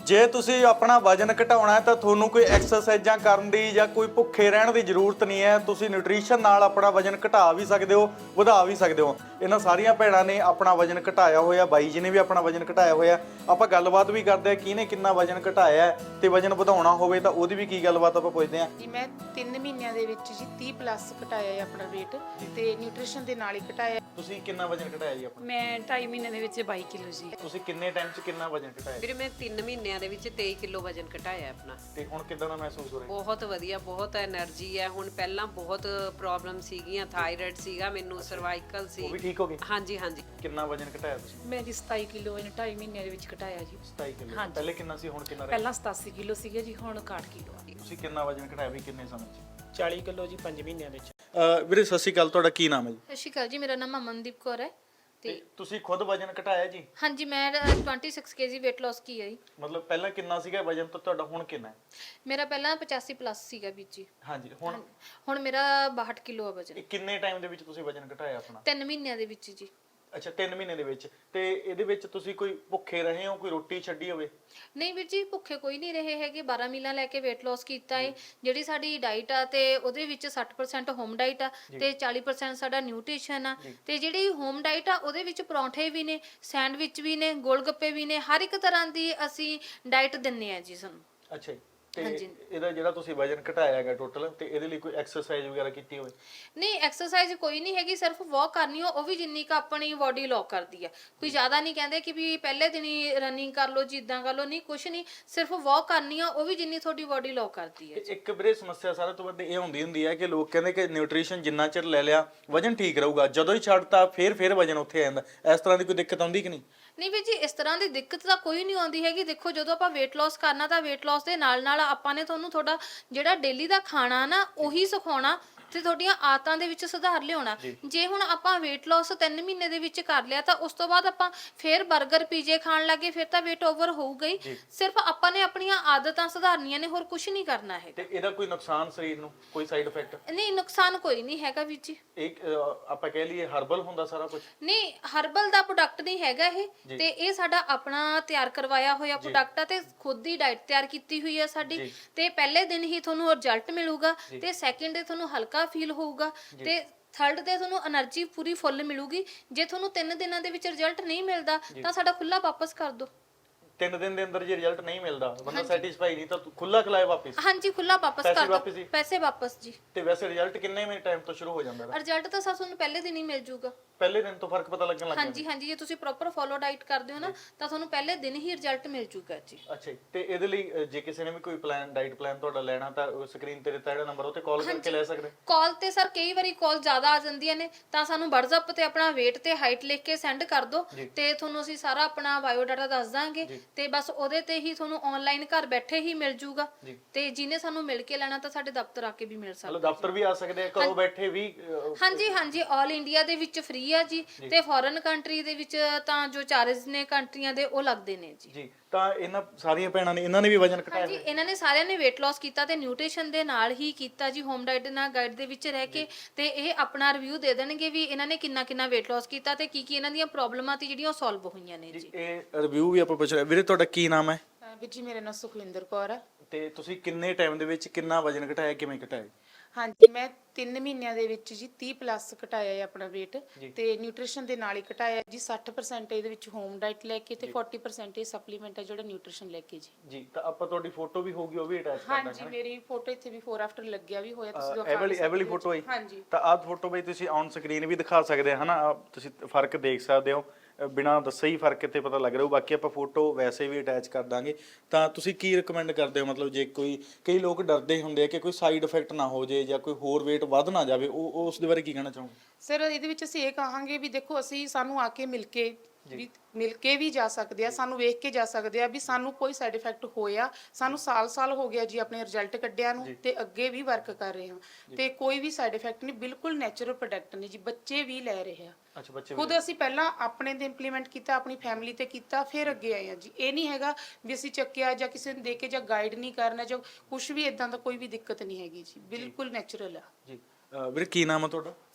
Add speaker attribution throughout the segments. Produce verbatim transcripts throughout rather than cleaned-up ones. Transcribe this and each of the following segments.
Speaker 1: ਜੇ ਤੁਸੀਂ ਆਪਣਾ ਵਜਨ ਘਟਾਉਣਾ ਹੈ ਤਾਂ ਤੁਹਾਨੂੰ ਕੋਈ ਐਕਸਰਸਾਈਜ਼ਾਂ ਕਰਨ ਦੀ ਜਾਂ ਕੋਈ ਭੁੱਖੇ ਰਹਿਣ ਦੀ ਜ਼ਰੂਰਤ ਨਹੀਂ ਹੈ। ਤੁਸੀਂ ਨਿਊਟ੍ਰੀਸ਼ਨ ਨਾਲ ਆਪਣਾ ਵਜਨ ਘਟਾ ਵੀ ਸਕਦੇ ਹੋ, ਵਧਾ ਵੀ ਸਕਦੇ ਹੋ। ਇਹਨਾਂ ਸਾਰੀਆਂ ਭੈਣਾਂ ਨੇ ਆਪਣਾ ਵਜਨ ਘਟਾਇਆ ਹੋਇਆ, ਬਾਈ ਜੀ ਨੇ ਵੀ ਆਪਣਾ ਵਜਨ ਘਟਾਇਆ ਹੋਇਆ। ਆਪਾਂ ਗੱਲਬਾਤ ਵੀ ਕਰਦੇ ਆ ਕਿਹਨੇ ਕਿੰਨਾ ਵਜਨ ਘਟਾਇਆ ਤੇ ਵਜਨ ਵਧਾਉਣਾ ਹੋਵੇ ਤਾਂ ਉਹਦੀ ਵੀ ਕੀ ਗੱਲਬਾਤ ਆਪਾਂ ਪੁੱਛਦੇ ਆ।
Speaker 2: ਜੀ ਮੈਂ ਤਿੰਨ ਮਹੀਨਿਆਂ ਦੇ ਵਿੱਚ ਜੀ ਤੀਹ ਪਲੱਸ ਘਟਾਇਆ ਹੈ ਆਪਣਾ weight ਤੇ ਨਿਊਟ੍ਰੀਸ਼ਨ ਦੇ ਨਾਲ ਹੀ ਘਟਾਇਆ।
Speaker 1: ਤੁਸੀਂ ਕਿੰਨਾ ਵਜਨ ਘਟਾਇਆ ਜੀ ਆਪਣਾ?
Speaker 3: ਮੈਂ ਢਾਈ ਮਹੀਨੇ ਦੇ ਵਿੱਚ ਬਾਈ ਕਿਲੋ ਜੀ।
Speaker 1: ਤੁਸੀਂ ਕਿੰਨੇ ਟਾਈਮ 'ਚ ਕਿੰਨਾ ਵਜਨ ਘਟਾਇਆ?
Speaker 4: ਵੀਰੇ ਮੈਂ ਤਿੰਨ ਮਹੀਨਿਆਂ ਦੇ ਵਿੱਚ ਤੇਈ ਕਿਲੋ ਵਜਨ ਘਟਾਇਆ ਆਪਣਾ।
Speaker 1: ਤੇ ਹੁਣ ਕਿਦਾਂ ਦਾ ਮਹਿਸੂਸ ਹੋ ਰਿਹਾ?
Speaker 4: ਬਹੁਤ ਵਧੀਆ, ਬਹੁਤ એનર્ਜੀ ਹੈ ਹੁਣ। ਪਹਿਲਾਂ ਬਹੁਤ ਪ੍ਰੋਬਲਮ ਸੀਗੀਆਂ, ਥਾਇਰਾਇਡ ਸੀਗਾ ਮੈਨੂੰ, ਸਰਵਾਈਕਲ ਸੀ,
Speaker 1: ਉਹ ਵੀ ਠੀਕ ਹੋ ਗਈ?
Speaker 4: ਹਾਂਜੀ ਹਾਂਜੀ।
Speaker 1: ਕਿੰਨਾ ਵਜਨ ਘਟਾਇਆ ਤੁਸੀਂ?
Speaker 3: ਮੈਂ ਜੀ ਸਤਾਈ ਕਿਲੋ ਇਹਨੇ ਢਾਈ ਮਹੀਨਿਆਂ ਦੇ ਵਿੱਚ ਘਟਾਇਆ ਜੀ।
Speaker 1: ਸਤਾਈ ਕਿਲੋ।
Speaker 3: ਹਾਂਜੀ।
Speaker 1: ਪਹਿਲੇ ਕਿੰਨਾ ਸੀ, ਹੁਣ ਕਿੰਨਾ ਰਿਹਾ?
Speaker 3: ਪਹਿਲਾਂ ਸਤਾਸੀ ਕਿਲੋ ਸੀਗਾ ਜੀ, ਹੁਣ ਇਕਾਹਠ ਕਿਲੋ ਆ।
Speaker 1: ਤੁਸੀਂ ਕਿੰਨਾ ਵਜਨ ਘਟਾਇਆ ਵੀ ਕਿੰਨੇ ਸਮੇਂ 'ਚ?
Speaker 5: ਚਾਲੀ ਕਿਲੋ ਜੀ ਪੰਜ ਮਹੀਨਿਆਂ ਵਿੱਚ।
Speaker 1: ਅ ਵੀਰੇ ਸਤਿ ਸ਼੍ਰੀ ਅਕਾਲ, ਤੁਹਾਡਾ ਕੀ ਨਾਮ ਹੈ ਜੀ?
Speaker 6: ਸਤਿ ਸ਼੍ਰੀ ਅਕਾਲ ਜੀ, ਮੇਰਾ ਨਾਮ ਅਮਨਦੀਪ ਕੌਰ ਹੈ
Speaker 1: ਤੇ
Speaker 6: ਤੇ
Speaker 1: ਤੁਸੀਂ ਖੁਦ ਵਜਨ ਘਟਾਇਆ ਜੀ?
Speaker 6: ਹਾਂਜੀ ਮੈਂ ਛੱਬੀ ਕੇਜੀ weight loss ਕੀ ਹੈ ਜੀ।
Speaker 1: ਮਤਲਬ ਪਹਿਲਾਂ ਕਿੰਨਾ ਸੀਗਾ ਵਜਨ ਤਾਂ ਤੁਹਾਡਾ ਹੁਣ ਕਿੰਨਾ ਹੈ?
Speaker 6: ਮੇਰਾ ਪਹਿਲਾਂ ਪਚਾਸੀ ਪਲੱਸ ਸੀਗਾ ਵੀਰ ਜੀ।
Speaker 1: ਹਾਂਜੀ। ਹੁਣ
Speaker 6: ਹੁਣ ਮੇਰਾ ਬਾਹਠ ਕਿਲੋ ਆ ਵਜਨ।
Speaker 1: ਇਹ ਕਿੰਨੇ ਟਾਈਮ ਦੇ ਵਿੱਚ ਤੁਸੀਂ ਵਜਨ ਘਟਾਇਆ ਆਪਣਾ?
Speaker 6: ਤਿੰਨ ਮਹੀਨਿਆਂ ਦੇ ਵਿੱਚ ਜੀ।
Speaker 1: ਅੱਛਾ, ਤਿੰਨ ਮਹੀਨੇ ਦੇ ਵਿੱਚ। ਤੇ ਇਹਦੇ ਵਿੱਚ ਤੁਸੀਂ ਕੋਈ ਭੁੱਖੇ ਰਹੇ ਹੋ, ਕੋਈ ਰੋਟੀ ਛੱਡੀ ਹੋਵੇ?
Speaker 6: ਨਹੀਂ ਵੀਰ ਜੀ, ਭੁੱਖੇ ਕੋਈ ਨਹੀਂ ਰਹੇ ਹੈਗੇ। ਬਾਰਾਂ ਮੀਲਾਂ ਲੈ ਕੇ weight loss ਕੀਤਾ ਹੈ। ਜਿਹੜੀ ਸਾਡੀ ਡਾਈਟ ਆ ਤੇ ਉਹਦੇ ਵਿੱਚ ਸੱਠ ਪਰਸੈਂਟ ਹੋਮ ਡਾਈਟ ਆ ਤੇ ਚਾਲੀ ਪਰਸੈਂਟ ਸਾਡਾ ਨਿਊਟ੍ਰੀਸ਼ਨ ਆ। ਤੇ ਜਿਹੜੀ ਹੋਮ ਡਾਈਟ ਆ ਉਹਦੇ ਵਿੱਚ ਪਰੌਂਠੇ ਵੀ ਨੇ, ਸੈਂਡਵਿਚ ਵੀ ਨੇ, ਗੋਲ ਗੱਪੇ ਵੀ ਨੇ, ਹਰ ਇੱਕ ਤਰ੍ਹਾਂ ਦੀ ਅਸੀਂ ਡਾਈਟ ਦਿੰਨੇ ਆ ਜੀ ਸਾਨੂੰ।
Speaker 1: ਅੱਛਾ ਜੀ। ਤੇ ਇਹਦਾ ਜਿਹੜਾ ਤੁਸੀਂ ਵਜਨ ਘਟਾਇਆ ਹੈਗਾ ਟੋਟਲ, ਤੇ ਇਹਦੇ ਲਈ ਕੋਈ ਐਕਸਰਸਾਈਜ਼ ਵਗੈਰਾ ਕੀਤੀ ਹੋਵੇ?
Speaker 6: ਨਹੀਂ, ਐਕਸਰਸਾਈਜ਼ ਕੋਈ ਨਹੀਂ ਹੈਗੀ, ਸਿਰਫ ਵਾਕ ਕਰਨੀ ਹੋ, ਉਹ ਵੀ ਜਿੰਨੀ ਕ ਆਪਣੀ ਬਾਡੀ ਲੋਕ ਕਰਦੀ ਆ। ਕੋਈ ਜ਼ਿਆਦਾ ਨਹੀਂ ਕਹਿੰਦੇ ਕਿ ਵੀ ਪਹਿਲੇ ਦਿਨ ਹੀ ਰਨਿੰਗ ਕਰ ਲਓ ਜੀ, ਇਦਾਂ ਕਰ ਲਓ, ਨਹੀਂ ਕੁਛ ਨਹੀਂ, ਸਿਰਫ ਵਾਕ ਕਰਨੀ ਆ, ਉਹ ਵੀ ਜਿੰਨੀ ਤੁਹਾਡੀ ਬਾਡੀ ਲੋਕ ਕਰਦੀ ਹੈ।
Speaker 1: ਇੱਕ ਵੀਰੇ ਸਮੱਸਿਆ ਸਾਰਿਆਂ ਤੋਂ ਵੱਧ ਇਹ ਹੁੰਦੀ ਹੁੰਦੀ ਹੈ ਕਿ ਲੋਕ ਕਹਿੰਦੇ ਕਿ ਨਿਊਟ੍ਰੀਸ਼ਨ ਜਿੰਨਾ ਚਿਰ ਲੈ ਲਿਆ ਵਜਨ ਠੀਕ ਰਹੂਗਾ, ਜਦੋਂ ਹੀ ਛੱਡਤਾ ਫੇਰ ਫੇਰ ਵਜਨ ਉੱਥੇ ਆ ਜਾਂਦਾ। ਇਸ ਤਰ੍ਹਾਂ ਦੀ ਕੋਈ ਦਿੱਕਤ ਆਉਂਦੀ ਕਿ ਨਹੀਂ?
Speaker 6: ਨਹੀਂ ਵੀਰ ਜੀ, ਇਸ ਤਰ੍ਹਾਂ ਦੀ ਦਿੱਕਤ ਤਾਂ ਕੋਈ ਨਹੀਂ ਆਉਂਦੀ ਹੈਗੀ। ਦੇਖੋ, ਜਦੋਂ ਆਪਾਂ weight loss ਕਰਨਾ ਤਾਂ weight loss ਦੇ ਨਾਲ ਨਾਲ ਆਪਾਂ ਨੇ ਤੁਹਾਨੂੰ ਤੁਹਾਡਾ ਜਿਹੜਾ ਡੇਲੀ ਦਾ ਖਾਣਾ ਨਾ ਉਹੀ ਸਿਖਾਉਣਾ ਤੇ ਤੁਹਾਡੀਆਂ ਆਦਤਾਂ ਦੇ ਵਿੱਚ ਸੁਧਾਰ ਲਿਆਉਣਾ। ਜੇ ਹੁਣ ਆਪਾਂ weight loss ਤਿੰਨ ਮਹੀਨੇ ਦੇ ਵਿੱਚ ਕਰ ਲਿਆ ਤਾਂ ਉਸ ਤੋਂ ਬਾਅਦ ਆਪਾਂ ਫੇਰ 버ਗਰ ਪੀਜੇ ਖਾਣ ਲੱਗੇ, ਫਿਰ ਤਾਂ weight over ਹੋਊਗਾ ਹੀ। ਸਿਰਫ ਆਪਾਂ ਨੇ ਆਪਣੀਆਂ ਆਦਤਾਂ ਸੁਧਾਰਨੀਆਂ ਨੇ, ਹੋਰ ਕੁਝ ਨਹੀਂ ਕਰਨਾ ਹੈ।
Speaker 1: ਤੇ ਇਹਦਾ ਕੋਈ ਨੁਕਸਾਨ ਸਰੀਰ ਨੂੰ, ਕੋਈ ਸਾਈਡ ਇਫੈਕਟ?
Speaker 6: ਨਹੀਂ, ਨੁਕਸਾਨ ਕੋਈ ਨਹੀਂ ਹੈਗਾ ਵੀਰ ਜੀ।
Speaker 1: ਇੱਕ ਆਪਾਂ ਕਹਿ ਲਈਏ ਹਰਬਲ ਹੁੰਦਾ ਸਾਰਾ ਕੁਝ?
Speaker 6: ਨਹੀਂ, ਹਰਬਲ ਦਾ ਪ੍ਰੋਡਕਟ ਨਹੀਂ ਹੈਗਾ ਇਹ, ਤੇ ਇਹ ਸਾਡਾ ਆਪਣਾ ਤਿਆਰ ਕਰਵਾਇਆ ਹੋਇਆ ਪ੍ਰੋਡਕਟ ਆ ਤੇ ਖੁਦ ਦੀ ਡਾਈਟ ਤਿਆਰ ਕੀਤੀ ਹੋਈ ਹੈ ਸਾਡੀ। ਤੇ ਪਹਿਲੇ ਦਿਨ ਹੀ ਤੁਹਾਨੂੰ ਰਿਜ਼ਲਟ ਮਿਲੂਗਾ ਤੇ ਸੈਕਿੰਡ ਡੇ ਤੁਹਾਨੂੰ ਹਲਕਾ ਫੀਲ ਹੋਊਗਾ ਤੇ ਥਰਡ ਤੇ ਤੁਹਾਨੂੰ એનર્ਜੀ ਪੂਰੀ ਫੁੱਲ ਮਿਲੂਗੀ। ਜੇ ਤੁਹਾਨੂੰ ਤਿੰਨ ਦਿਨਾਂ ਦੇ ਵਿੱਚ ਰਿਜ਼ਲਟ ਨਹੀਂ ਮਿਲਦਾ ਤਾਂ ਸਾਡਾ ਖੁੱਲਾ ਵਾਪਸ ਕਰ ਦਿਓ।
Speaker 1: ਤਿੰਨ ਦਿਨ ਦੇ ਅੰਦਰ ਜੇ ਰਿਜ਼ਲਟ ਨਹੀਂ ਮਿਲਦਾ, ਬੰਦਾ ਸੈਟੀਸਫਾਈ ਨਹੀਂ, ਤਾਂ ਖੁੱਲਾ ਖਲਾਏ ਵਾਪਸ?
Speaker 6: ਹਾਂਜੀ, ਖੁੱਲਾ ਵਾਪਸ ਕਰ ਦਿਓ, ਪੈਸੇ ਵਾਪਸ ਜੀ।
Speaker 1: ਤੇ ਵੈਸੇ ਰਿਜ਼ਲਟ ਕਿੰਨੇ ਮਿੰਟ ਟਾਈਮ ਤੋਂ ਸ਼ੁਰੂ ਹੋ ਜਾਂਦਾ ਹੈ?
Speaker 6: ਰਿਜ਼ਲਟ ਤਾਂ ਸਾ ਤੁਹਾਨੂੰ ਪਹਿਲੇ ਦਿਨ ਹੀ ਮਿਲ ਜਾਊਗਾ।
Speaker 1: ਪਹਿਲੇ ਦਿਨ ਤੋਂ ਫਰਕ ਪਤਾ ਲੱਗਣ ਲੱਗ ਜਾਂਦਾ?
Speaker 6: ਹਾਂਜੀ ਹਾਂਜੀ, ਜੇ ਤੁਸੀਂ ਪ੍ਰੋਪਰ ਫੋਲੋ ਡਾਈਟ ਕਰਦੇ ਹੋ ਨਾ ਤਾਂ ਤੁਹਾਨੂੰ ਪਹਿਲੇ ਦਿਨ ਹੀ ਰਿਜ਼ਲਟ ਮਿਲ ਜਾਊਗਾ ਜੀ।
Speaker 1: ਅੱਛਾ ਜੀ। ਤੇ ਇਹਦੇ ਲਈ ਅ, ਜੇ ਕਿਸੇ ਨੇ ਵੀ ਕੋਈ ਪਲਾਨ, ਡਾਈਟ ਪਲਾਨ ਤੁਹਾਡਾ ਲੈਣਾ ਤਾਂ ਸਕਰੀਨ ਤੇ ਦਿੱਤਾ ਜਿਹੜਾ ਨੰਬਰ, ਉਹ ਤੇ ਕਾਲ ਕਰਕੇ ਲੈ ਸਕਦੇ?
Speaker 6: ਕਾਲ ਤੇ ਸਰ ਕਈ ਵਾਰੀ ਕਾਲ ਜ਼ਿਆਦਾ ਆ ਜਾਂਦੀਆਂ ਨੇ ਤਾਂ ਸਾਨੂੰ WhatsApp ਤੇ ਆਪਣਾ weight ਤੇ ਹਾਈਟ ਲਿਖ ਕੇ ਸੈਂਡ ਕਰ ਦਿਓ ਤੇ ਤੁਹਾਨੂੰ ਅਸੀਂ ਸਾਰਾ ਆਪਣਾ ਬਾਇਓ ਡਾਟਾ ਦੱਸ ਦਾਂਗੇ ਤੇ ਬਸ ਉਹਦੇ ਤੇ ਹੀ ਤੁਹਾਨੂੰ ਆਨਲਾਈਨ ਘਰ ਬੈਠੇ ਹੀ ਮਿਲ ਜਾਊਗਾ। ਤੇ ਜਿਹਨੇ ਸਾਨੂੰ ਮਿਲ ਕੇ ਲੈਣਾ ਤਾਂ ਸਾਡੇ ਦਫ਼ਤਰ ਆ ਕੇ ਵੀ ਮਿਲ ਸਕਦਾ।
Speaker 1: ਮਤਲਬ ਦਫ਼ਤਰ ਵੀ ਆ ਸਕਦੇ ਆ, ਘਰੋਂ ਬੈਠੇ ਵੀ?
Speaker 6: ਹਾਂਜੀ ਹਾਂਜੀ, ਆਲ ਇੰਡੀਆ ਦੇ ਵਿੱਚ ਫ੍ਰੀ ਆ ਜੀ ਤੇ ਫੋਰਨ ਕੰਟਰੀ ਦੇ ਵਿੱਚ ਤਾਂ ਜੋ ਚਾਰਜ ਨੇ ਕੰਟਰੀਆਂ ਦੇ ਉਹ ਲੱਗਦੇ ਨੇ ਜੀ।
Speaker 1: ਜੀ। ਤਾਂ ਇਹਨਾਂ ਸਾਰੀਆਂ ਭੈਣਾਂ ਨੇ, ਇਹਨਾਂ ਨੇ ਵੀ ਵਜਨ ਘਟਾਇਆ?
Speaker 6: ਹਾਂਜੀ, ਇਹਨਾਂ ਨੇ ਸਾਰਿਆਂ ਨੇ weight loss ਕੀਤਾ ਤੇ ਨਿਊਟ੍ਰੀਸ਼ਨ ਦੇ ਨਾਲ ਹੀ ਕੀਤਾ ਜੀ, ਹੋਮ ਡਾਈਟ ਨਾਲ ਗਾਈਡ ਦੇ ਵਿੱਚ ਰਹਿ ਕੇ। ਤੇ ਇਹ ਆਪਣਾ ਰਿਵਿਊ ਦੇ ਦੇਣਗੇ ਵੀ ਇਹਨਾਂ ਨੇ ਕਿੰਨਾ ਕਿੰਨਾ weight loss ਕੀਤਾ ਤੇ ਕੀ ਕੀ ਇਹਨਾਂ ਦੀਆਂ ਪ੍ਰੋਬਲਮਾਂ ਸੀ ਜਿਹੜੀਆਂ ਉਹ ਸੋਲਵ ਹੋਈਆਂ ਨੇ ਜੀ।
Speaker 1: ਇਹ ਰਿਵਿਊ ਵੀ ਆਪਾਂ ਪੁੱਛ ਰਹੇ। ਵੀਰੇ ਤੁਹਾਡਾ ਕੀ ਨਾਮ ਹੈ?
Speaker 2: ਵੀਰ ਜੀ ਮੇਰਾ ਨਾਮ ਸੁਖਵਿੰਦਰ ਕੌਰ ਹੈ।
Speaker 1: ਤੇ ਤੁਸੀਂ ਕਿੰਨੇ ਟਾਈਮ ਦੇ ਵਿੱਚ ਕਿੰਨਾ ਵਜਨ ਘਟਾਇਆ, ਕਿਵੇਂ ਘਟਾਇਆ?
Speaker 2: ਹਾਂਜੀ, ਮੈਂ ਤਿੰਨ ਮਹੀਨਿਆਂ ਦੇ ਵਿੱਚ ਜੀ ਤੀਹ ਪਲੱਸ ਘਟਾਇਆ ਹੈ ਆਪਣਾ weight ਤੇ ਨਿਊਟ੍ਰੀਸ਼ਨ ਦੇ ਨਾਲ ਹੀ ਘਟਾਇਆ ਜੀ। ਸੱਠ ਪਰਸੈਂਟ ਇਹਦੇ ਵਿੱਚ ਹੋਮ ਡਾਈਟ ਲੈ ਕੇ ਤੇ ਚਾਲੀ ਪਰਸੈਂਟ ਇਹ ਸਪਲੀਮੈਂਟ ਹੈ ਜਿਹੜਾ ਨਿਊਟ੍ਰੀਸ਼ਨ ਲੈ ਕੇ ਜੀ।
Speaker 1: ਜੀ। ਤਾਂ ਆਪਾਂ ਤੁਹਾਡੀ ਫੋਟੋ ਵੀ ਹੋਊਗੀ, ਉਹ ਵੀ ਅਟੈਚ ਕਰ ਦਾਂਗੇ।
Speaker 2: ਹਾਂਜੀ, ਮੇਰੀ ਫੋਟੋ ਇੱਥੇ ਬਿਫੋਰ ਆਫਟਰ ਲੱਗਿਆ ਵੀ ਹੋਇਆ, ਤੁਸੀਂ
Speaker 1: ਇਹ ਵਾਲੀ ਇਹ ਵਾਲੀ ਫੋਟੋ ਹੈ?
Speaker 2: ਹਾਂਜੀ।
Speaker 1: ਤਾਂ ਆਹ ਫੋਟੋ ਬਈ ਤੁਸੀਂ ਔਨ ਸਕਰੀਨ ਵੀ ਦਿਖਾ ਸਕਦੇ ਆ, ਹਨਾ? ਤੁਸੀਂ ਫਰਕ ਦੇਖ ਸਕਦੇ ਹੋ, ਬਿਨਾਂ ਦੱਸੇ ਹੀ ਫਰਕ ਇੱਥੇ ਪਤਾ ਲੱਗ ਰਿਹਾ। ਬਾਕੀ ਆਪਾਂ ਫੋਟੋ ਵੈਸੇ ਵੀ ਅਟੈਚ ਕਰ ਦਾਂਗੇ। ਤਾਂ ਤੁਸੀਂ ਕੀ ਰਿਕਮੈਂਡ ਕਰਦੇ ਹੋ, ਮਤਲਬ ਜੇ ਕੋਈ, ਕਈ ਲੋਕ ਡਰਦੇ ਹੁੰਦੇ ਆ ਕਿ ਕੋਈ ਸਾਈਡ ਇਫੈਕਟ ਨਾ ਹੋ ਜੇ ਜਾਂ ਕੋਈ ਹੋਰ weight ਵੱਧ ਨਾ ਜਾਵੇ, ਉਹ ਉਸ ਦੇ ਬਾਰੇ ਕੀ ਕਹਿਣਾ ਚਾਹੋਗੇ?
Speaker 2: ਸਰ, ਇਹਦੇ ਵਿੱਚ ਅਸੀਂ ਇਹ ਕਹਾਂਗੇ ਵੀ ਦੇਖੋ, ਅਸੀਂ ਸਾਨੂੰ ਆ ਕੇ ਮਿਲ ਕੇ ਵੀ ਮਿਲ ਕੇ ਵੀ ਜਾ ਸਕਦੇ ਆ, ਸਾਨੂੰ ਵੇਖ ਕੇ ਜਾ ਸਕਦੇ ਆ ਵੀ ਸਾਨੂੰ ਕੋਈ ਸਾਈਡ ਇਫੈਕਟ ਹੋਇਆ। ਸਾਨੂੰ ਸਾਲ ਸਾਲ ਹੋ ਗਿਆ ਜੀ ਆਪਣੇ ਰਿਜ਼ਲਟ ਕੱਢਿਆ ਨੂੰ ਤੇ ਅੱਗੇ ਵੀ ਵਰਕ ਕਰ ਰਹੇ ਹਾਂ ਤੇ ਕੋਈ ਵੀ ਸਾਈਡ ਇਫੈਕਟ ਨਹੀਂ, ਬਿਲਕੁਲ ਨੈਚੁਰਲ ਪ੍ਰੋਡਕਟ ਨੇ ਜੀ। ਬੱਚੇ ਵੀ ਲੈ ਰਹੇ ਆ।
Speaker 1: ਅੱਛਾ, ਬੱਚੇ
Speaker 2: ਖੁਦ ਅਸੀਂ ਪਹਿਲਾਂ ਆਪਣੇ ਤੇ ਇੰਪਲੀਮੈਂਟ ਕੀਤਾ, ਆਪਣੀ ਫੈਮਿਲੀ ਤੇ ਕੀਤਾ, ਫਿਰ ਅੱਗੇ ਆਏ ਆ ਜੀ। ਇਹ ਨਹੀਂ ਹੈਗਾ ਵੀ ਅਸੀਂ ਚੱਕਿਆ ਜਾਂ ਕਿਸੇ ਨੂੰ ਦੇ ਕੇ ਜਾਂ ਗਾਈਡ ਨਹੀਂ ਕਰਨਾ ਜਾਂ ਕੁਝ ਵੀ, ਇਦਾਂ ਦਾ ਕੋਈ ਵੀ ਦਿੱਕਤ ਨਹੀਂ ਹੈਗੀ ਜੀ, ਬਿਲਕੁਲ ਨੈਚੁਰਲ ਆ
Speaker 1: ਜੀ। ਵੀਰੇ ਕੀ ਨਾਮ ਹੈ ਤੁਹਾਡਾ?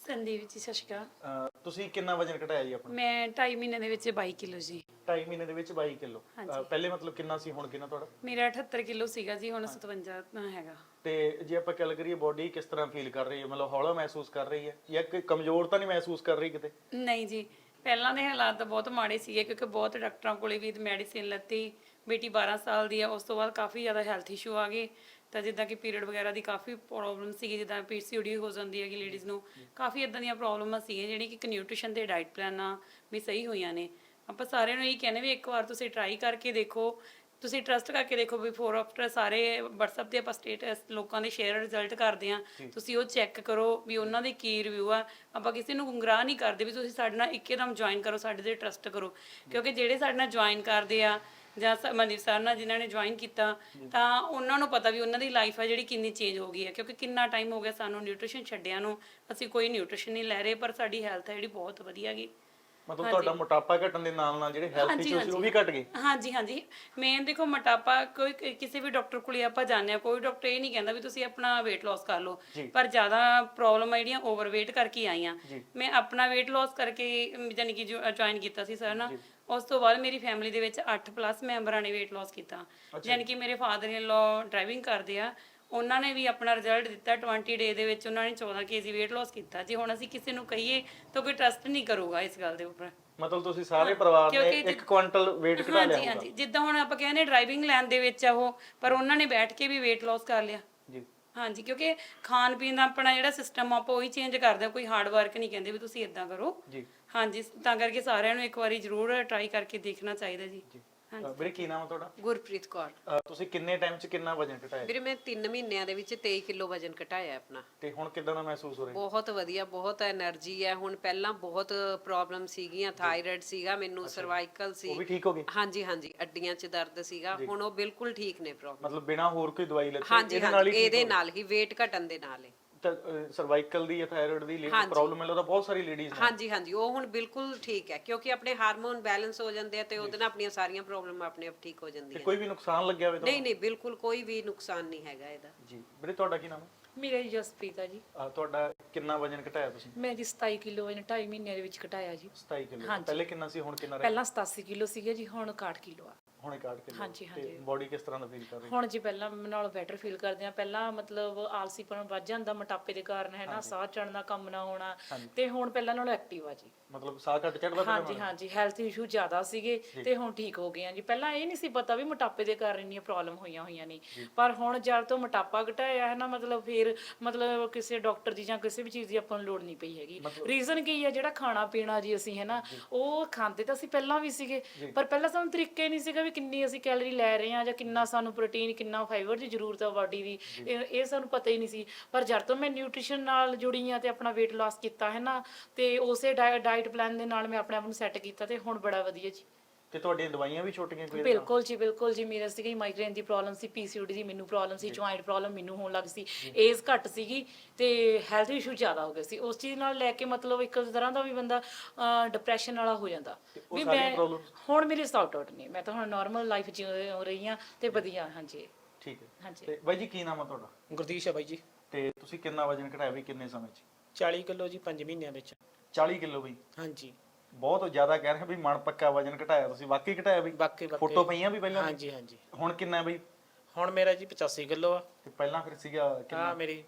Speaker 3: ਸੰਦੀਪ ਜੀ ਸਤਿ ਸ਼੍ਰੀ ਅਕਾਲ।
Speaker 1: ਅਹ ਤੁਸੀਂ ਕਿੰਨਾ ਵਜਨ ਘਟਾਇਆ ਜੀ ਆਪਣਾ?
Speaker 3: ਮੈਂ ਢਾਈ ਮਹੀਨੇ ਦੇ ਵਿੱਚ ਬਾਈ ਕਿਲੋ ਜੀ।
Speaker 1: ਢਾਈ ਮਹੀਨੇ ਦੇ ਵਿੱਚ ਬਾਈ ਕਿਲੋ। ਪਹਿਲੇ ਮਤਲਬ ਕਿੰਨਾ ਸੀ, ਹੁਣ ਕਿੰਨਾ ਤੁਹਾਡਾ?
Speaker 3: ਮੇਰਾ ਅਠੱਤਰ ਕਿਲੋ ਸੀਗਾ ਜੀ, ਹੁਣ ਸਤਵੰਜਾ ਹੈਗਾ।
Speaker 1: ਤੇ ਜੇ ਆਪਾਂ ਗੱਲ ਕਰੀਏ ਬੋਡੀ ਕਿਸ ਤਰ੍ਹਾਂ ਫੀਲ ਕਰ ਰਹੀ ਹੈ, ਮਤਲਬ ਹੌਲਾ ਮਹਿਸੂਸ ਕਰ ਰਹੀ ਹੈ ਜਾਂ ਕਿ ਕਮਜ਼ੋਰ ਤਾਂ ਨਹੀਂ ਮਹਿਸੂਸ ਕਰ ਰਹੀ ਕਿਤੇ?
Speaker 3: ਨਹੀਂ ਜੀ, ਪਹਿਲਾਂ ਦੇ ਹਾਲਾਤ ਤਾਂ ਬਹੁਤ ਮਾੜੇ ਸੀਗੇ ਕਿਉਂਕਿ ਬਹੁਤ ਡਾਕਟਰਾਂ ਕੋਲੇ ਵੀ ਮੈਡੀਸਿਨ ਲੱਤੀ। ਬੇਟੀ ਬਾਰਾਂ ਸਾਲ ਦੀ ਆ, ਉਸ ਤੋਂ ਬਾਅਦ ਕਾਫੀ ਜ਼ਿਆਦਾ ਹੈਲਥ ਇਸ਼ੂ ਆ ਗਏ। ਤਾਂ ਜਿੱਦਾਂ ਕਿ ਪੀਰੀਅਡ ਵਗੈਰਾ ਦੀ ਕਾਫੀ ਪ੍ਰੋਬਲਮ ਸੀਗੀ, ਜਿੱਦਾਂ ਪੀਸੀਓਡੀ ਹੋ ਜਾਂਦੀ ਹੈਗੀ ਲੇਡੀਜ਼ ਨੂੰ, ਕਾਫੀ ਇਦਾਂ ਦੀਆਂ ਪ੍ਰੋਬਲਮਾਂ ਸੀਗੀਆਂ ਜਿਹੜੀ ਕਿ ਨਿਊਟ੍ਰੀਸ਼ਨ ਤੇ ਡਾਈਟ ਪਲਾਨਾਂ ਵੀ ਸਹੀ ਹੋਈਆਂ ਨੇ। ਆਪਾਂ ਸਾਰਿਆਂ ਨੂੰ ਇਹ ਕਹਿੰਦੇ ਵੀ ਇੱਕ ਵਾਰ ਤੁਸੀਂ ਟਰਾਈ ਕਰਕੇ ਦੇਖੋ, ਤੁਸੀਂ ਟਰਸਟ ਕਰਕੇ ਦੇਖੋ। ਬਿਫੋਰ ਆਫਟਰ ਸਾਰੇ WhatsApp ਤੇ ਆਪਾਂ ਸਟੇਟਸ ਲੋਕਾਂ ਦੇ ਸ਼ੇਅਰ ਰਿਜ਼ਲਟ ਕਰਦੇ ਆ, ਤੁਸੀਂ ਉਹ ਚੈੱਕ ਕਰੋ ਵੀ ਉਹਨਾਂ ਦੇ ਕੀ ਰਿਵਿਊ ਆ। ਆਪਾਂ ਕਿਸੇ ਨੂੰ ਗੁੰਮਰਾਹ ਨਹੀਂ ਕਰਦੇ ਵੀ ਤੁਸੀਂ ਸਾਡੇ ਨਾਲ ਇੱਕਦਮ ਜੁਆਇਨ ਕਰੋ, ਸਾਡੇ ਤੇ ਟਰਸਟ ਕਰੋ, ਕਿਉਂਕਿ ਜਿਹੜੇ ਸਾਡੇ ਨਾਲ ਜੁਆਇਨ ਕਰਦੇ ਆ ਜਾਂ ਮਨਦੀਪ ਸਰ ਨਾਲ ਜਿਨ੍ਹਾਂ ਨੇ ਜੁਆਇਨ ਕੀਤਾ ਤਾਂ ਉਹਨਾਂ ਨੂੰ ਪਤਾ ਵੀ ਉਹਨਾਂ ਦੀ ਲਾਈਫ ਆ ਜਿਹੜੀ ਕਿੰਨੀ ਚੇਂਜ ਹੋ ਗਈ ਹੈ। ਕਿਉਂਕਿ ਕਿੰਨਾ ਟਾਈਮ ਹੋ ਗਿਆ ਸਾਨੂੰ ਨਿਊਟ੍ਰੀਸ਼ਨ ਛੱਡਿਆਂ ਨੂੰ, ਅਸੀਂ ਕੋਈ ਨਿਊਟ੍ਰੀਸ਼ਨ ਨਹੀਂ ਲੈ ਰਹੇ, ਪਰ ਸਾਡੀ ਹੈਲਥ ਹੈ ਜਿਹੜੀ ਬਹੁਤ ਵਧੀਆ ਗਈ।
Speaker 1: ਮਤਲਬ ਤੁਹਾਡਾ ਮੋਟਾਪਾ ਘਟਣ ਦੇ ਨਾਲ ਨਾਲ ਜਿਹੜੇ ਹੈਲਥ ਇਸ਼ੂ ਸੀ ਉਹ ਵੀ ਘਟ ਗਏ?
Speaker 3: ਹਾਂਜੀ ਹਾਂਜੀ, ਮੇਨ ਦੇਖੋ ਮੋਟਾਪਾ ਕੋਈ ਕਿਸੇ ਵੀ ਡਾਕਟਰ ਕੋਲੇ ਆਪਾਂ ਜਾਂਦੇ ਆ, ਕੋਈ ਡਾਕਟਰ ਇਹ ਨਹੀਂ ਕਹਿੰਦਾ ਵੀ ਤੁਸੀਂ ਆਪਣਾ weight loss ਕਰ ਲਓ, ਪਰ ਜ਼ਿਆਦਾ ਪ੍ਰੋਬਲਮ ਆ ਜਿਹੜੀਆਂ ਓਵਰਵੇਟ ਕਰਕੇ ਆਈਆਂ। ਮੈਂ ਆਪਣਾ weight loss ਕਰਕੇ ਯਾਨੀ ਕਿ ਜੁਆਇਨ ਕੀਤਾ ਸੀ ਸਰ ਨਾਲ। ਉਸ ਤੋਂ ਬਾਅਦ ਮੇਰੀ ਫੈਮਿਲੀ ਦੇ ਵਿੱਚ ਅੱਠ ਪਲੱਸ ਮੈਂਬਰਾਂ ਨੇ weight loss ਕੀਤਾ। ਯਾਨੀ ਕਿ ਮੇਰੇ ਫਾਦਰ ਇਨ ਲਾ ਡਰਾਈਵਿੰਗ ਕਰਦੇ ਆ, ਉਹਨਾਂ ਨੇ ਵੀ ਆਪਣਾ ਰਿਜ਼ਲਟ ਦਿੱਤਾ। ਵੀਹ ਡੇ ਦੇ ਵਿੱਚ ਉਹਨਾਂ ਨੇ ਚੌਦਾਂ ਕੇਜੀ weight loss ਕੀਤਾ। ਜੇ ਹੁਣ ਅਸੀਂ ਕਿਸੇ ਨੂੰ ਕਹੀਏ ਤਾਂ ਕੋਈ ਟਰਸਟ ਨਹੀਂ ਕਰੂਗਾ ਇਸ ਗੱਲ ਦੇ ਉੱਪਰ।
Speaker 1: ਮਤਲਬ ਤੁਸੀਂ ਸਾਰੇ ਪਰਿਵਾਰ ਨੇ ਇੱਕ ਕੁਇੰਟਲ weight ਘਟਾ ਲਿਆ?
Speaker 3: ਹਾਂਜੀ ਹਾਂਜੀ, ਜਿੱਦਾਂ ਹੁਣ ਆਪਾਂ ਕਹਿੰਦੇ ਡਰਾਈਵਿੰਗ ਲੈਣ ਦੇ ਵਿੱਚ ਆ ਉਹ, ਪਰ ਉਹਨਾਂ ਨੇ ਬੈਠ ਕੇ ਵੀ weight loss ਕਰ ਲਿਆ
Speaker 1: ਜੀ।
Speaker 3: ਹਾਂਜੀ, ਕਿਉਂਕਿ ਖਾਣ ਪੀਣ ਦਾ ਆਪਣਾ ਜਿਹੜਾ ਸਿਸਟਮ ਆਪਾਂ ਉਹੀ ਚੇਂਜ ਕਰਦੇ ਆ, ਕੋਈ ਹਾਰਡ ਵਰਕ ਨਹੀਂ ਕਹਿੰਦੇ ਵੀ ਤੁਸੀਂ ਇਦਾਂ ਕਰੋ ਜੀ। ਹਾਂਜੀ, ਤਾਂ ਕਰਕੇ ਸਾਰਿਆਂ ਨੂੰ ਇੱਕ ਵਾਰੀ ਜ਼ਰੂਰ ਟਰਾਈ ਕਰਕੇ ਦੇਖਣਾ ਚਾਹੀਦਾ ਜੀ।
Speaker 1: ਵੀਰੇ ਕੀ ਨਾਮ ਹੈ ਤੁਹਾਡਾ?
Speaker 4: ਗੁਰਪ੍ਰੀਤ ਕੌਰ।
Speaker 1: ਤੁਸੀਂ ਕਿੰਨੇ ਟਾਈਮ 'ਚ ਕਿੰਨਾ ਵਜਨ ਘਟਾਇਆ?
Speaker 4: ਵੀਰੇ ਮੈਂ ਤਿੰਨ ਮਹੀਨਿਆਂ ਦੇ ਵਿੱਚ ਤੇਈ ਕਿਲੋ ਵਜਨ ਘਟਾਇਆ ਆਪਣਾ।
Speaker 1: ਤੇ ਹੁਣ ਕਿਦਾਂ ਦਾ ਮਹਿਸੂਸ ਹੋ ਰਿਹਾ?
Speaker 4: ਬਹੁਤ ਵਧੀਆ, ਬਹੁਤ એનર્ਜੀ ਹੈ ਹੁਣ। ਪਹਿਲਾਂ ਬਹੁਤ ਪ੍ਰੋਬਲਮ ਸੀਗੀਆਂ, ਥਾਇਰਾਇਡ ਸੀਗਾ ਮੈਨੂੰ, ਸਰਵਾਈਕਲ ਸੀ।
Speaker 1: ਉਹ ਵੀ ਠੀਕ ਹੋ ਗਈ?
Speaker 4: ਹਾਂਜੀ ਹਾਂਜੀ, ਅੱਡੀਆਂ 'ਚ ਦਰਦ ਸੀਗਾ, ਹੁਣ ਉਹ ਬਿਲਕੁਲ ਠੀਕ ਨੇ ਪ੍ਰੋਬਲਮ।
Speaker 1: ਮਤਲਬ ਬਿਨਾ ਹੋਰ ਕੋਈ ਦਵਾਈ ਲੱਤੇ
Speaker 4: ਹਾਂਜੀ ਹਾਂਜੀ, ਇਹਦੇ ਨਾਲ ਹੀ weight ਘਟਣ ਦੇ ਨਾਲ ਹੀ।
Speaker 1: ਸਰਵਾਈਕਲ ਦੀ ਜਾਂ ਥਾਇਰਾਇਡ ਦੀ ਪ੍ਰੋਬਲਮ ਹੈ ਤਾਂ ਬਹੁਤ ਸਾਰੀ ਲੇਡੀਜ਼ ਨੇ।
Speaker 4: ਹਾਂਜੀ ਹਾਂਜੀ, ਉਹ ਹੁਣ ਬਿਲਕੁਲ ਠੀਕ ਹੈ ਕਿਉਂਕਿ ਆਪਣੇ ਹਾਰਮੋਨ ਬੈਲੈਂਸ ਹੋ ਜਾਂਦੇ ਆ ਤੇ ਉਹਦੇ ਨਾਲ ਆਪਣੀਆਂ ਸਾਰੀਆਂ ਪ੍ਰੋਬਲਮ ਆਪਣੇ ਆਪ ਠੀਕ ਹੋ ਜਾਂਦੀਆਂ।
Speaker 1: ਕੋਈ ਵੀ ਨੁਕਸਾਨ ਲੱਗਿਆ ਹੋਵੇ ਤਾਂ?
Speaker 4: ਨਹੀਂ ਨਹੀਂ, ਬਿਲਕੁਲ ਕੋਈ ਵੀ ਨੁਕਸਾਨ ਨਹੀਂ ਹੈਗਾ ਇਹਦਾ
Speaker 1: ਜੀ। ਵੀਰੇ ਤੁਹਾਡਾ ਕੀ ਨਾਮ ਹੈ?
Speaker 3: ਮੇਰਾ ਜੀ ਜਸਪ੍ਰੀਤ ਆ ਜੀ।
Speaker 1: ਤੁਹਾਡਾ ਕਿੰਨਾ ਵਜਨ ਘਟਾਇਆ ਤੁਸੀਂ?
Speaker 3: ਮੈਂ ਜੀ ਸਤਾਈ ਕਿਲੋ ਵਜਨ ਢਾਈ ਮਹੀਨਿਆਂ ਦੇ ਵਿੱਚ ਘਟਾਇਆ ਜੀ।
Speaker 1: ਸਤਾਈ ਕਿਲੋ। ਪਹਿਲੇ ਕਿੰਨਾ ਸੀ, ਹੁਣ ਕਿੰਨਾ?
Speaker 3: ਪਹਿਲਾਂ ਸਤਾਸੀ ਕਿਲੋ ਸੀਗਾ ਜੀ, ਹੁਣ ਇਕਾਹਠ ਕਿਲੋ ਆ।
Speaker 1: ਹੁਣ ਇਕਾਹਠ ਕਿਲੋ।
Speaker 3: ਹਾਂਜੀ ਹਾਂਜੀ।
Speaker 1: ਬੋਡੀ ਕਿਸ ਤਰ੍ਹਾਂ ਦਾ ਫੀਲ ਕਰ ਰਹੀ?
Speaker 3: ਹੁਣ ਜੀ ਪਹਿਲਾਂ ਨਾਲੋਂ ਬੈਟਰ ਫੀਲ ਕਰਦੇ ਆ। ਪਹਿਲਾਂ ਮਤਲਬ ਆਲਸੀਪਣ ਵੱਧ ਜਾਂਦਾ ਮੋਟਾਪੇ ਦੇ ਕਾਰਨ, ਹੈ ਨਾ, ਸਾਹ ਚੜਨ ਦਾ ਕੰਮ ਨਾ ਹੋਣਾ, ਤੇ ਹੁਣ ਪਹਿਲਾਂ ਨਾਲੋਂ ਐਕਟਿਵ ਆ ਜੀ।
Speaker 1: ਮਤਲਬ ਸਾਹ ਘੱਟ ਚੜਦਾ?
Speaker 3: ਹਾਂਜੀ ਹਾਂਜੀ, ਹੈਲਥ ਇਸ਼ੂ ਜ਼ਿਆਦਾ ਸੀਗੇ ਤੇ ਹੁਣ ਠੀਕ ਹੋ ਗਏ ਆ ਜੀ। ਪਹਿਲਾਂ ਇਹ ਨਹੀਂ ਸੀ ਪਤਾ ਵੀ ਮੋਟਾਪੇ ਦੇ ਕਾਰਨ ਇੰਨੀਆਂ ਪ੍ਰੋਬਲਮ ਹੋਈਆਂ ਹੋਈਆਂ ਨੇ, ਪਰ ਹੁਣ ਜਦ ਤੋਂ ਮੋਟਾਪਾ ਘਟਾਇਆ ਹੈ ਨਾ, ਮਤਲਬ ਫਿਰ ਮਤਲਬ ਕਿਸੇ ਡਾਕਟਰ ਦੀ ਜਾਂ ਕਿਸੇ ਵੀ ਚੀਜ਼ ਦੀ ਆਪਾਂ ਨੂੰ ਲੋੜ ਨਹੀਂ ਪਈ ਹੈਗੀ। ਰੀਜ਼ਨ ਕੀ ਹੈ, ਜਿਹੜਾ ਖਾਣਾ ਪੀਣਾ ਜੀ ਅਸੀਂ ਹੈ ਨਾ, ਉਹ ਖਾਂਦੇ ਤਾਂ ਅਸੀਂ ਪਹਿਲਾਂ ਵੀ ਸੀਗੇ, ਪਰ ਪਹਿਲਾਂ ਸਾਨੂੰ ਤਰੀਕੇ ਨਹੀਂ ਸੀਗਾ ਵੀ ਕਿੰਨੀ ਅਸੀਂ ਕੈਲਰੀ ਲੈ ਰਹੇ ਹਾਂ ਜਾਂ ਕਿੰਨਾ ਸਾਨੂੰ ਪ੍ਰੋਟੀਨ, ਕਿੰਨਾ ਫਾਈਬਰ ਦੀ ਜ਼ਰੂਰਤ ਆ ਬਾਡੀ ਦੀ, ਇਹ ਸਾਨੂੰ ਪਤਾ ਹੀ ਨਹੀਂ ਸੀ। ਪਰ ਜਦ ਤੋਂ ਮੈਂ ਨਿਊਟ੍ਰੀਸ਼ਨ ਨਾਲ ਜੁੜੀ ਆ ਤੇ ਆਪਣਾ weight loss ਕੀਤਾ ਹੈ ਨਾ, ਤੇ ਉਸੇ ਡਾਈਟ ਪਲਾਨ ਦੇ ਨਾਲ ਮੈਂ ਆਪਣੇ ਆਪ ਨੂੰ ਸੈੱਟ ਕੀਤਾ ਤੇ ਹੁਣ ਬੜਾ ਵਧੀਆ ਜੀ।
Speaker 1: ਤੇ ਤੁਹਾਡੀਆਂ ਦਵਾਈਆਂ ਵੀ ਛੁੱਟ ਗਈਆਂ ਕੋਈ?
Speaker 3: ਬਿਲਕੁਲ ਜੀ ਬਿਲਕੁਲ ਜੀ। ਮੇਰਾ ਸੀਗਾ ਮਾਈਗ੍ਰੇਨ ਦੀ ਪ੍ਰੋਬਲਮ ਸੀ, ਪੀਸੀਓਡੀ ਦੀ ਮੈਨੂੰ ਪ੍ਰੋਬਲਮ ਸੀ, ਜੁਆਇੰਟ ਪ੍ਰੋਬਲਮ ਮੈਨੂੰ ਹੋਣ ਲੱਗ ਸੀ, ਏਜ ਘੱਟ ਸੀਗੀ ਤੇ ਹੈਲਥ ਇਸ਼ੂ ਜ਼ਿਆਦਾ ਹੋ ਗਏ ਸੀ। ਉਸ ਚੀਜ਼ ਨਾਲ ਲੈ ਕੇ ਮਤਲਬ ਇੱਕ ਤਰ੍ਹਾਂ ਦਾ ਵੀ ਬੰਦਾ ਡਿਪਰੈਸ਼ਨ ਵਾਲਾ ਹੋ ਜਾਂਦਾ ਵੀ ਮੈਂ ਹੁਣ ਮੇਰੀ ਸੌਟ ਆਊਟ ਨਹੀਂ, ਮੈਂ ਤਾਂ ਹੁਣ ਨਾਰਮਲ ਲਾਈਫ ਜੀ ਹੋ ਰਹੀ ਹਾਂ ਤੇ ਵਧੀਆ। ਹਾਂਜੀ
Speaker 1: ਠੀਕ ਹੈ।
Speaker 3: ਹਾਂਜੀ।
Speaker 1: ਤੇ ਬਾਈ ਜੀ ਕੀ ਨਾਮ ਆ ਤੁਹਾਡਾ?
Speaker 5: ਗੁਰਦੀਸ਼ ਹੈ ਬਾਈ ਜੀ।
Speaker 1: ਤੇ ਤੁਸੀਂ ਕਿੰਨਾ ਵਜਨ ਘਟਾਇਆ ਵੀ ਕਿੰਨੇ ਸਮੇਂ 'ਚ?
Speaker 5: ਚਾਲੀ ਕਿਲੋ ਜੀ ਪੰਜ ਮਹੀਨਿਆਂ ਵਿੱਚ।
Speaker 1: ਚਾਲੀ ਕਿਲੋ ਬਈ?
Speaker 5: ਹਾਂਜੀ।
Speaker 1: ਬਹੁਤ ਜ਼ਿਆਦਾ ਕਹਿ ਰਹੇ ਵੀ ਮਨ ਪੱਕਾ ਵਜਨ ਘਟਾਇਆ ਤੁਸੀਂ, ਵਾਕਈ ਘਟਾਇਆ ਬਈ?
Speaker 5: ਬਾਕੀ ਬਾਕੀ
Speaker 1: ਫੋਟੋ ਪਈਆਂ ਵੀ ਪਹਿਲਾਂ?
Speaker 5: ਹਾਂਜੀ ਹਾਂਜੀ।
Speaker 1: ਹੁਣ ਕਿੰਨਾ ਹੈ ਬਈ?
Speaker 5: ਹੁਣ ਮੇਰਾ ਜੀ ਪਚਾਸੀ ਕਿਲੋ ਆ।
Speaker 1: ਤੇ ਪਹਿਲਾਂ ਫਿਰ ਸੀਗਾ ਕਿੰਨਾ?
Speaker 5: ਆ ਮੇਰੀ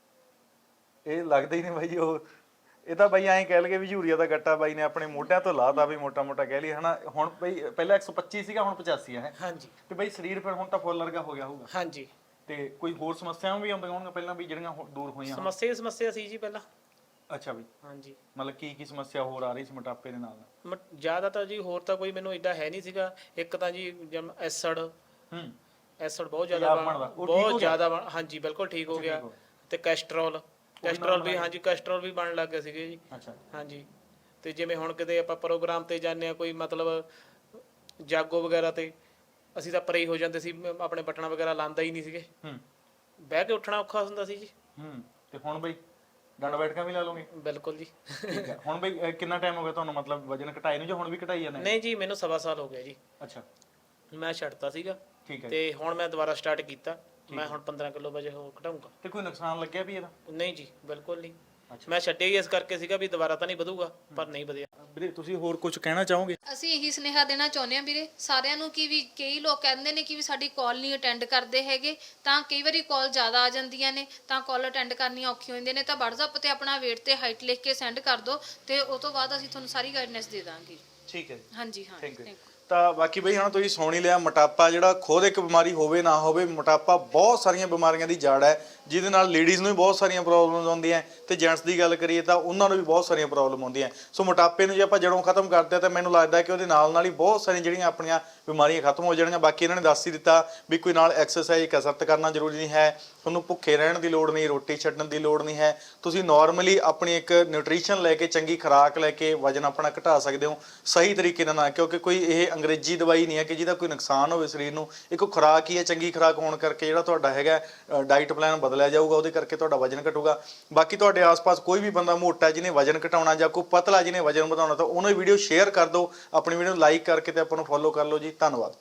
Speaker 1: ਇਹ ਲੱਗਦਾ ਹੀ ਨਹੀਂ ਬਾਈ। ਉਹ ਇਹ ਤਾਂ ਬਾਈ ਐਂ ਕਹਿ ਲਗੇ ਵੀ ਯੂਰੀਆ ਦਾ ਗੱਟਾ ਬਾਈ ਨੇ ਆਪਣੇ ਮੋਢਿਆਂ ਤੋਂ ਲਾਤਾ ਵੀ ਮੋਟਾ ਮੋਟਾ ਕਹਿ ਲਈ ਹਨਾ। ਹੁਣ ਬਈ ਪਹਿਲਾਂ ਇੱਕ ਸੌ ਪੱਚੀ ਸੀਗਾ, ਹੁਣ ਪਚਾਸੀ ਹੈ।
Speaker 5: ਹਾਂਜੀ।
Speaker 1: ਤੇ ਬਾਈ ਸਰੀਰ ਫਿਰ ਹੁਣ ਤਾਂ ਫੁੱਲ ਵਰਗਾ ਹੋ ਗਿਆ ਹੋਊਗਾ?
Speaker 5: ਹਾਂਜੀ।
Speaker 1: ਤੇ ਕੋਈ ਹੋਰ ਸਮੱਸਿਆਵਾਂ ਵੀ ਆਉਂਦੀਆਂ ਹੋਣਗੀਆਂ ਪਹਿਲਾਂ ਵੀ ਜਿਹੜੀਆਂ ਹੋ- ਦੂਰ ਹੋਈਆਂ?
Speaker 5: ਸਮੱਸਿਆ ਹੀ ਸਮੱਸਿਆ ਸੀ ਜੀ ਪਹਿਲਾਂ।
Speaker 1: ਅੱਛਾ ਬਈ।
Speaker 5: ਹਾਂਜੀ।
Speaker 1: ਮਤਲਬ ਕੀ ਕੀ ਸਮੱਸਿਆ ਹੋਰ ਆ ਰਹੀ ਸੀ ਮੋਟਾਪੇ ਦੇ ਨਾਲ?
Speaker 5: ਮ- ਜ਼ਿਆਦਾ ਤਾਂ ਜੀ ਹੋਰ ਤਾਂ ਕੋਈ ਮੈਨੂੰ ਏਦਾਂ ਹੈ ਨਹੀਂ ਸੀਗਾ। ਇੱਕ ਤਾਂ ਜੀ ਜਮ ਐਸਡ
Speaker 1: ਹੂੰ
Speaker 5: ਐਸਡ ਬਹੁਤ ਜ਼ਿਆਦਾ ਬਣ- ਬਹੁਤ ਜ਼ਿਆਦਾ ਬਣ- ਹਾਂਜੀ ਬਿਲਕੁਲ ਠੀਕ ਹੋ ਗਿਆ। ਤੇ ਕੈਸਟਰੋਲ ਕੈਸਟਰੋਲ ਵੀ ਹਾਂਜੀ ਕੈਸਟਰੋਲ ਵੀ ਬਣਨ ਲੱਗ ਗਏ ਸੀਗੇ ਜੀ।
Speaker 1: ਅੱਛਾ।
Speaker 5: ਹਾਂਜੀ। ਤੇ ਜਿਵੇਂ ਹੁਣ ਕਿਤੇ ਆਪਾਂ ਪ੍ਰੋਗਰਾਮ ਤੇ ਜਾਂਦੇ ਆ, ਕੋਈ ਮਤਲਬ ਜਾਗੋ ਵਗੈਰਾ ਤੇ, ਅਸੀਂ ਤਾਂ ਪਰੇ ਹੀ ਹੋ ਜਾਂਦੇ ਸੀ, ਆਪਣੇ ਬਟਣਾ ਵਗੈਰਾ ਲਾਉਂਦਾ ਹੀ ਨਹੀਂ ਸੀਗੇ।
Speaker 1: ਹੂੰ।
Speaker 5: ਬਹਿ ਕੇ ਉੱਠਣਾ ਔਖਾ ਹੁੰਦਾ ਸੀ ਜੀ।
Speaker 1: ਹੂੰ। ਤੇ ਹੁਣ ਬਈ ਡੰਡ ਬੈਠਕਾਂ ਵੀ ਲਾ ਲਓਗੇ?
Speaker 5: ਬਿਲਕੁਲ ਜੀ।
Speaker 1: ਠੀਕ ਹੈ। ਹੁਣ ਬਈ ਅਹ ਕਿੰਨਾ ਟਾਈਮ ਹੋ ਗਿਆ ਤੁਹਾਨੂੰ ਮਤਲਬ ਵਜਨ ਘਟਾਏ ਨੂੰ, ਜਾਂ ਹੁਣ ਵੀ ਘਟਾਈ ਜਾਂਦੇ?
Speaker 5: ਨਹੀਂ ਜੀ, ਮੈਨੂੰ ਸਵਾ ਸਾਲ ਹੋ ਗਿਆ ਜੀ।
Speaker 1: ਅੱਛਾ।
Speaker 5: ਮੈਂ ਛੱਡਤਾ ਸੀਗਾ
Speaker 1: ਠੀਕ ਹੈ।
Speaker 5: ਤੇ ਹੁਣ ਮੈਂ ਦੁਬਾਰਾ ਸਟਾਰਟ ਕੀਤਾ। ਮੈਂ ਹੁਣ ਪੰਦਰਾਂ ਕਿਲੋ ਵਜੇ ਹੋ ਘਟਾਉਂਗਾ।
Speaker 1: ਤੇ ਕੋਈ ਨੁਕਸਾਨ ਲੱਗਿਆ ਵੀ ਇਹਦਾ?
Speaker 5: ਨਹੀਂ ਜੀ ਬਿਲਕੁਲ ਨਹੀਂ। ਮੈਂ ਛੱਡਿਆ ਹੀ ਇਸ ਕਰਕੇ ਸੀਗਾ ਵੀ ਦੁਬਾਰਾ ਤਾਂ ਨਹੀਂ ਵਧੂਗਾ, ਪਰ ਨਹੀਂ ਵਧਿਆ।
Speaker 1: ਵੀਰੇ ਤੁਸੀਂ ਹੋਰ ਕੁਝ ਕਹਿਣਾ ਚਾਹੋਗੇ?
Speaker 6: ਅਸੀਂ ਇਹੀ ਸੁਨੇਹਾ ਦੇਣਾ ਚਾਹੁੰਦੇ ਹਾਂ ਵੀਰੇ ਸਾਰਿਆਂ ਨੂੰ ਕਿ ਵੀ ਕਈ ਲੋਕ ਕਹਿੰਦੇ ਨੇ ਕਿ ਵੀ ਸਾਡੀ ਕਾਲ ਨਹੀਂ ਅਟੈਂਡ ਕਰਦੇ ਹੈਗੇ, ਤਾਂ ਕਈ ਵਾਰੀ ਕਾਲ ਜ਼ਿਆਦਾ ਆ ਜਾਂਦੀਆਂ ਨੇ ਤਾਂ ਕਾਲ ਅਟੈਂਡ ਕਰਨੀਆਂ ਔਖੀਆਂ ਹੁੰਦੀਆਂ ਨੇ, ਤਾਂ WhatsApp ਤੇ ਆਪਣਾ weight ਤੇ ਹਾਈਟ ਲਿਖ ਕੇ ਸੈਂਡ ਕਰ ਦਿਓ ਤੇ ਉਸ ਤੋਂ ਬਾਅਦ ਅਸੀਂ ਤੁਹਾਨੂੰ ਸਾਰੀ ਗਾਈਡਨੈਸ ਦੇ ਦਾਂਗੇ।
Speaker 1: ਠੀਕ ਹੈ ਜੀ,
Speaker 6: ਹਾਂਜੀ ਹਾਂ
Speaker 1: ਥੈਂਕ ਯੂ।
Speaker 6: thank you।
Speaker 1: ਤਾਂ ਬਾਕੀ ਬਈ ਹੁਣ ਤੁਸੀਂ ਸੁਣ ਹੀ ਲਿਆ, ਮੋਟਾਪਾ ਜਿਹੜਾ ਖੁਦ ਇੱਕ ਬਿਮਾਰੀ ਹੋਵੇ ਨਾ ਹੋਵੇ, ਮੋਟਾਪਾ ਬਹੁਤ ਸਾਰੀਆਂ ਬਿਮਾਰੀਆਂ ਦੀ ਜੜ ਹੈ, ਜਿਹਦੇ ਨਾਲ ਲੇਡੀਜ਼ ਨੂੰ ਵੀ ਬਹੁਤ ਸਾਰੀਆਂ ਪ੍ਰੋਬਲਮਸ ਆਉਂਦੀਆਂ ਤੇ ਜੈਂਟਸ ਦੀ ਗੱਲ ਕਰੀਏ ਤਾਂ ਉਹਨਾਂ ਨੂੰ ਵੀ ਬਹੁਤ ਸਾਰੀਆਂ ਪ੍ਰੋਬਲਮ ਆਉਂਦੀਆਂ। ਸੋ ਮੋਟਾਪੇ ਨੂੰ ਜੇ ਆਪਾਂ ਜੜੋਂ ਖਤਮ ਕਰਦੇ ਤਾਂ ਮੈਨੂੰ ਲੱਗਦਾ ਕਿ ਉਹਦੇ ਨਾਲ ਨਾਲ ਹੀ ਬਹੁਤ ਸਾਰੀਆਂ ਜਿਹੜੀਆਂ ਆਪਣੀਆਂ ਬਿਮਾਰੀਆਂ ਖਤਮ ਹੋ ਜਾਣਗੀਆਂ। ਬਾਕੀ ਇਹਨਾਂ ਨੇ ਦੱਸ ਹੀ ਦਿੱਤਾ ਵੀ ਕੋਈ ਨਾਲ ਐਕਸਰਸਾਈਜ਼ ਕਸਰਤ ਕਰਨਾ ਜ਼ਰੂਰੀ ਨਹੀਂ ਹੈ, ਤੁਹਾਨੂੰ ਭੁੱਖੇ ਰਹਿਣ ਦੀ ਲੋੜ ਨਹੀਂ, ਰੋਟੀ ਛੱਡਣ ਦੀ ਲੋੜ ਨਹੀਂ ਹੈ, ਤੁਸੀਂ ਨਾਰਮਲੀ ਆਪਣੀ ਇੱਕ ਨਿਊਟ੍ਰੀਸ਼ਨ ਲੈ ਕੇ ਚੰਗੀ ਖੁਰਾਕ ਲੈ ਕੇ ਵਜਨ ਆਪਣਾ ਘਟਾ ਸਕਦੇ ਹੋ ਸਹੀ ਤਰੀਕੇ ਨਾਲ, ਕਿਉਂਕਿ ਕੋਈ ਇਹ ਅੰਗਰੇਜ਼ੀ ਦਵਾਈ ਨਹੀਂ ਹੈ ਕਿ ਜਿਹਦਾ ਕੋਈ ਨੁਕਸਾਨ ਹੋਵੇ ਸਰੀਰ ਨੂੰ। ਇੱਕ ਖੁਰਾਕ ਹੀ ਹੈ, ਚੰਗੀ ਖੁਰਾਕ ਹੋਣ ਕਰਕੇ ਜਿਹੜਾ ਤੁਹਾਡਾ ਹੈਗਾ ਡਾਈਟ ਪਲਾਨ ਬਦਲਿਆ ਜਾਊਗਾ, ਉਹਦੇ ਕਰਕੇ ਤੁਹਾਡਾ ਵਜਨ ਘਟੂਗਾ। ਬਾਕੀ ਤੁਹਾਡੇ ਆਸ-ਪਾਸ ਕੋਈ ਵੀ ਬੰਦਾ ਮੋਟਾ ਜਿਹਨੇ ਵਜਨ ਘਟਾਉਣਾ ਜਾਂ ਕੋਈ ਪਤਲਾ ਜਿਹਨੇ ਵਜਨ ਵਧਾਉਣਾ ਤਾਂ ਉਹਨੂੰ ਵੀਡੀਓ ਸ਼ੇਅਰ ਕਰ ਦਿਓ, ਆਪਣੀ ਵੀਡੀਓ ਨੂੰ ਲਾਈਕ ਕਰਕੇ ਤੇ ਆਪਾਂ ਨੂੰ ਫੋਲੋ ਕਰ ਲਓ ਜੀ। ਧੰਨਵਾਦ।